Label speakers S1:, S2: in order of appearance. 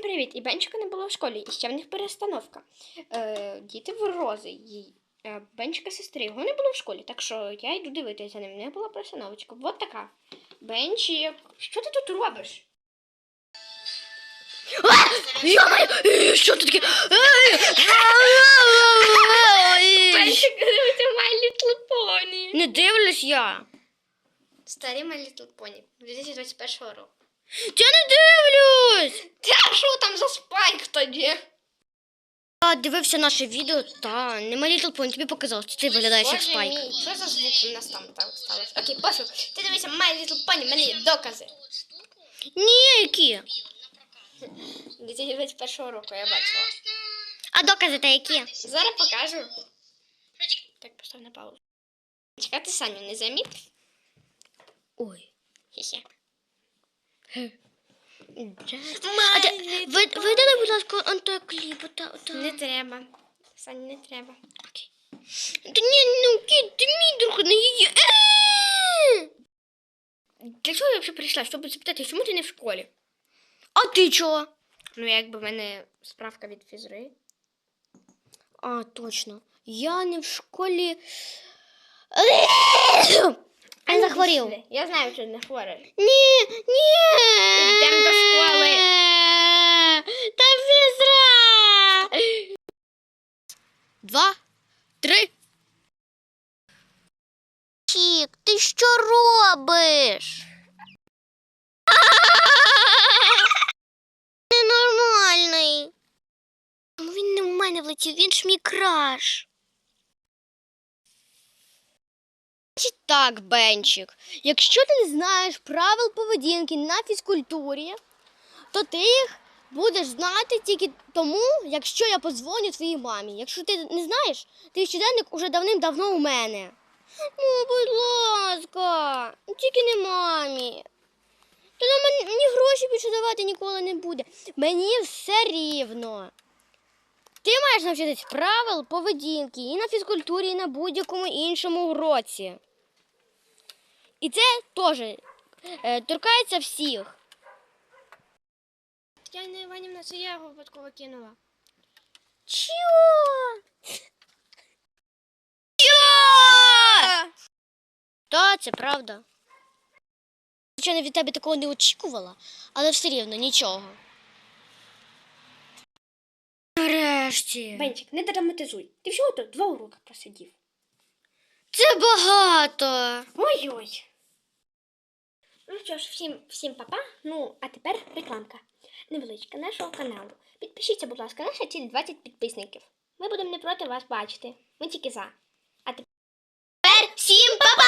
S1: привіт! І Бенчика не було в школі, і ще в них перестановка. Діти в рози. Бенчика сестри, його не було в школі, так що я йду дивитися за ним. Не була перестановочка. Вот така. Бенчик, що ти тут робиш?
S2: Що тут таке?
S1: Бенчик, дивиться My Little Pony.
S2: Не дивлюсь я.
S1: Старі My Little Pony 2021 року.
S2: Я не дивлюсь.
S1: Та що там за спайк тоді?
S2: Я дивився наше відео, та не My Little Pony, тобі показалось, ти виглядаєш як
S1: Боже
S2: Спайк.
S1: мій, що за звук у нас там сталося? Окей, пофіг. Ти дивися My Little Pony, в мене є докази.
S2: Ні, які?
S1: 2021 року я бачила.
S2: А докази та які?
S1: Зараз покажу. Так, постав на паузу. Чекати Саню не замітив?
S2: Ой.
S1: Хе-хе.
S2: Видали, будь ласка, антикліп.
S1: Не треба. Саню, не треба.
S2: Окей. Та ні, ну, кіт, ти мій друг, не її.
S1: Для чого я взагалі прийшла? Щоб запитати, чому ти не в школі?
S2: А ти чого?
S1: Ну, якби в мене справка від фізри.
S2: А, точно. Я не в школі. Я захворів.
S1: Я знаю, що не хворий.
S2: Ні.
S1: Йдемо до школи.
S2: Та фізра. 2, 3. Чік, ти що робиш? Ненормальний. Він не в мене влетів, він ж мій краш. Так, Бенчик, якщо ти не знаєш правил поведінки на фізкультурі, то ти їх будеш знати тільки тому, якщо я подзвоню твоїй мамі. Якщо ти не знаєш, твій щоденник уже давним-давно у мене. Ну, будь ласка, тільки не мамі. Та нам мені гроші більше давати ніколи не буде. Мені все рівно. Ти маєш навчитись правил поведінки і на фізкультурі, і на будь-якому іншому уроці. І це теж торкається всіх.
S1: Тетяна Іванівна, це я його випадково кинула.
S2: Чого? Та, це правда. Звичайно, від тебе такого не очікувала, але все рівно нічого. Нарешті.
S1: Бенчик, не драматизуй. Ти всього тут 2 уроки просидів.
S2: Це багато.
S1: Ой-ой. Ну що ж, всім па-па. Ну, а тепер рекламка. Невеличка нашого каналу. Підпишіться, будь ласка, наша ціль 20 підписників. Ми будемо не проти вас бачити. Ми тільки за. А тепер всім па-па!